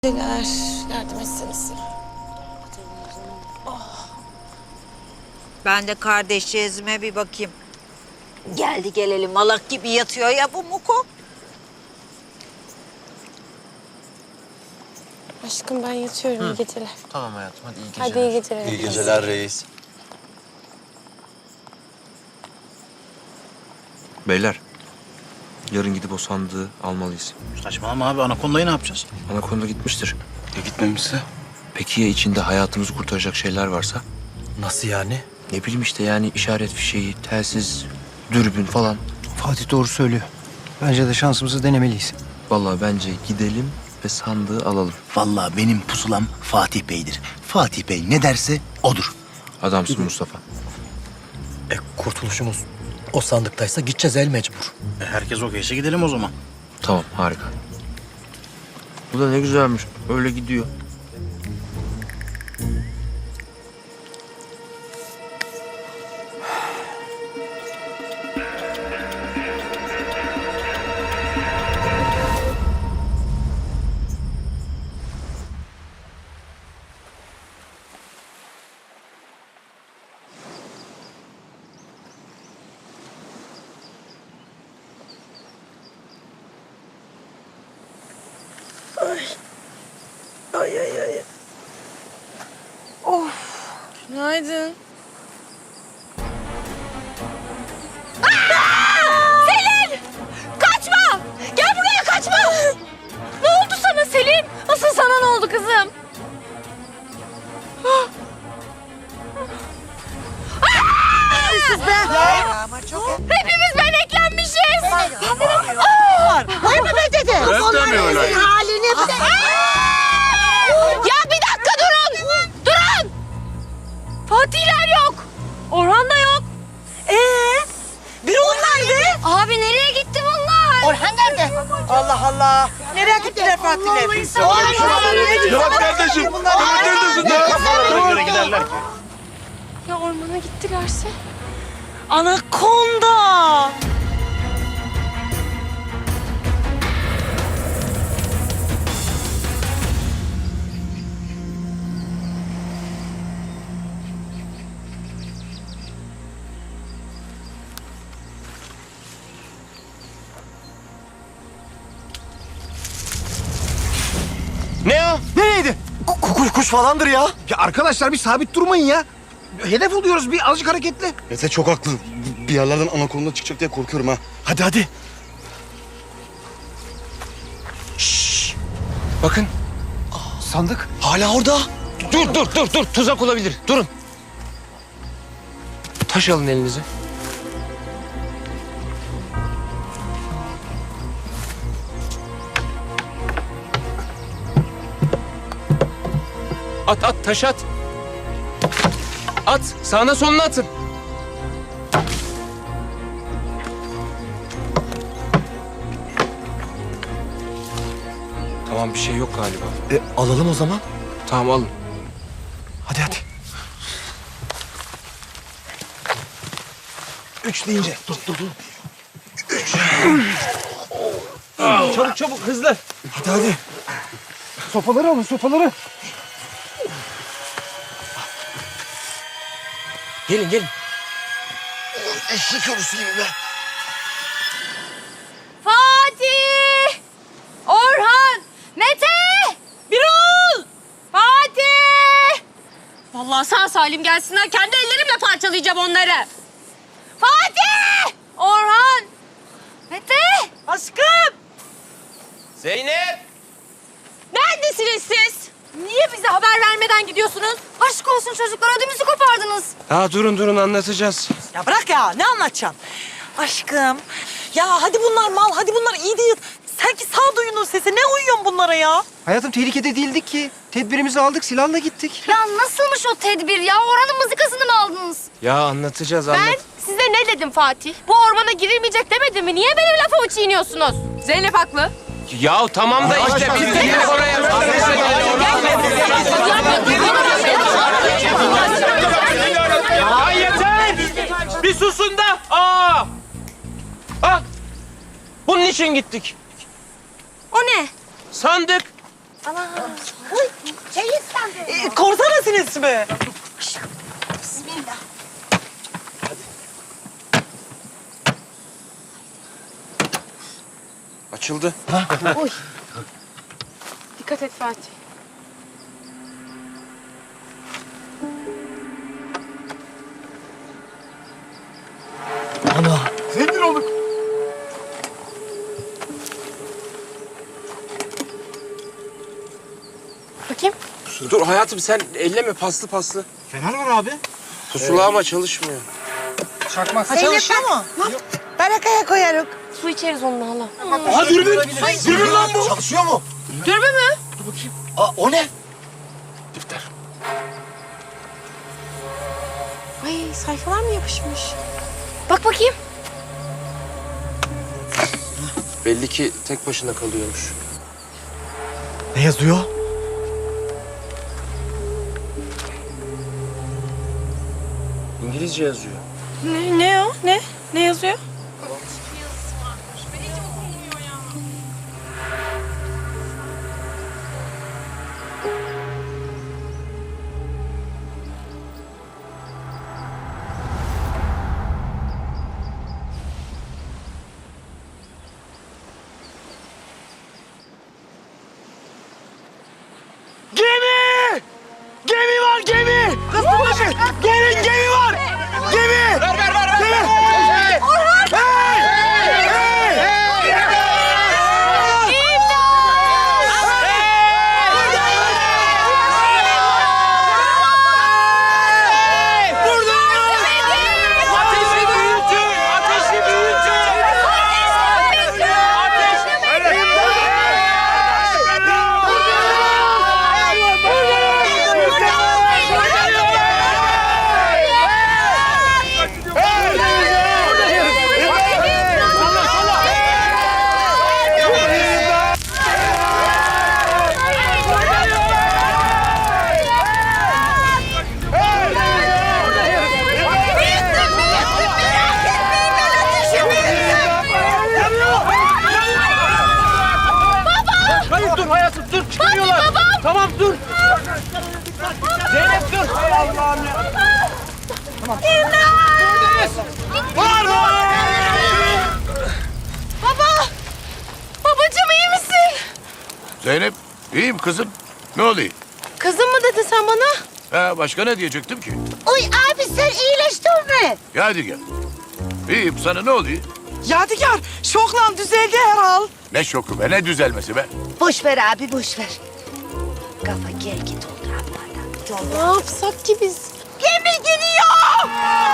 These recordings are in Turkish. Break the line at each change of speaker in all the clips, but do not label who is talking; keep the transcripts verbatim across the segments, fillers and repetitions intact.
Neler yardım etseniz.
Ben de kardeşciğizime bir bakayım. Geldi gelelim malak gibi yatıyor ya bu Muko.
Aşkım ben yatıyorum. İyi geceler.
Tamam hayatım, hadi iyi geceler.
Hadi iyi geceler.
İyi geceler reis.
Beyler, yarın gidip o sandığı almalıyız.
Saçmalama abi, Anakonda'yı ne yapacağız?
Anakonda gitmiştir.
Ya gitmemişse?
Peki ya içinde hayatımızı kurtaracak şeyler varsa?
Nasıl yani?
Ne bileyim işte yani işaret fişeği, telsiz, dürbün falan.
Fatih doğru söylüyor. Bence de şansımızı denemeliyiz.
Vallahi bence gidelim ve sandığı alalım.
Vallahi benim pusulam Fatih Bey'dir. Fatih Bey ne derse odur.
Adamsın Mustafa.
E kurtuluşumuz o sandıktaysa gideceğiz el mecbur.
E, herkes okeyse gidelim o zaman.
Tamam, harika. Bu da ne güzelmiş. Öyle gidiyor.
Ay ay ay. Of. Günaydın.
Kaçma! Gel buraya kaçma! Ne oldu sana Selin? Asıl sana ne oldu kızım? Siz be! Hepimiz beneklenmişiz! Ay mı be dedi? Onların halini bir de... Ya bir dakika durun! Durun! Fatihler yok! Orhan da yok. Ee? Bir nerede? Abi nereye gitti bunlar? Orhan nerede?
Allah Allah. Nereye gittiler Fatih'le?
Yok kardeşim. Yok kardeşim.
Kafalarına göre giderler ki.
Ya ormana gittilerse?
Anakonda.
Ne o? Nereydi? Kuş kuş falandır ya. Ya arkadaşlar bir sabit durmayın ya. Hedef oluyoruz, bir azıcık hareketli.
Mete çok haklı. Bir yerlerden Anakonda çıkacak diye korkuyorum ha.
Hadi hadi.
Bakın.
Sandık.
Hala orada. Dur, dur, dur, dur. Tuzak olabilir. Durun. Taş alın elinize. At, at, taş at. At, sağına soluna atın. Tamam, bir şey yok galiba.
E, alalım o zaman.
Tamam, alın.
Hadi hadi. Üç deyince. Dur dur dur. Üç. Çabuk çabuk hızlı. Hadi hadi. Sopaları alın sopaları.
Gelin, gelin.
Eşek ölüsü gibi be.
Fatih! Orhan! Mete! Birol! Fatih! Vallahi sağ salim gelsinler. Kendi ellerimle parçalayacağım onları. Fatih! Orhan! Mete! Aşkım!
Zeynep!
Neredesiniz siz? Niye bize haber vermeden gidiyorsunuz? Aşk olsun çocuklar, ödümüzü kopardınız.
Ha durun durun anlatacağız.
Ya bırak ya, ne anlatacaksın? Aşkım. Ya hadi bunlar mal, hadi bunlar iyi değil. Sanki sağduyunun sesi. Ne uyuyorsun bunlara ya?
Hayatım tehlikede değildik ki. Tedbirimizi aldık, silahla gittik.
Ya nasılmış o tedbir ya? Orhan'ın mızıkasını mı aldınız?
Ya anlatacağız
Ben
anlat.
size ne dedim Fatih? Bu ormana girilmeyecek demedim mi? Niye benim lafımı çiğniyorsunuz? Zeynep haklı.
Ya tamam da işte biz de gelip oraya.
Ya yeter! Bir susun da. Aa! Bak! Bunun için gittik.
O ne?
Sandık.
Ee, korsana sinesi mi?
Açıldı.
Dikkat et Fatih.
Ana.
Zengin olduk.
Bakayım.
Dur hayatım sen elleme paslı paslı.
Fener var abi.
Pusula ama çalışmıyor.
Ha, çalışıyor mu? Barakaya koyarım.
Su içeriz onunla hala.
Aa dürbün. Dürbün lan bu. Çalışıyor mu?
Dürbün mü?
Aa o ne?
Defter.
Ay sayfalar mı yapışmış? Bak bakayım.
Belli ki tek başına kalıyormuş.
Ne yazıyor?
İngilizce yazıyor.
Ne, ne o? Ne? Ne yazıyor?
Gemi! Gemi var gemi! Kızım gelin gemi var! Gemi! Ver ver ver ver! Gemi! Orhan! Hey! Hey!
Ateşi büyütün! Ateşi büyütün!
Hayır dur hayatım dur çıkıyorlar. Tamam dur. Zeynep dur. Hay Allah'ım ya. Tamam. Bağırma.
Baba! Babacığım iyi misin?
Zeynep, iyiyim kızım. Ne oluyor?
Kızım mı dedin sen bana?
Ha, başka ne diyecektim ki?
Oy abi sen iyileştin mi?
Ya hadi gel. İyiyim, sana ne oluyor?
Yadigar, şoklan düzeldi herhal.
Ne şoku be, ne düzelmesi be?
Boş ver abi boş ver. Kafa gel git oldu abi.
Ne yapsak ki biz?
Gemi gidiyor!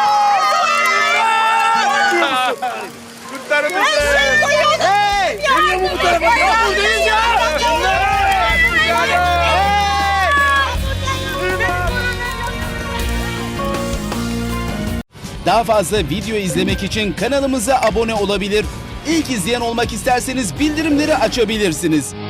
Kurtarın bizi. Hey! Geliyor mu bu tarafa? Yok buradayız ya.
Daha fazla video izlemek için kanalımıza abone olabilir. İlk izleyen olmak isterseniz bildirimleri açabilirsiniz.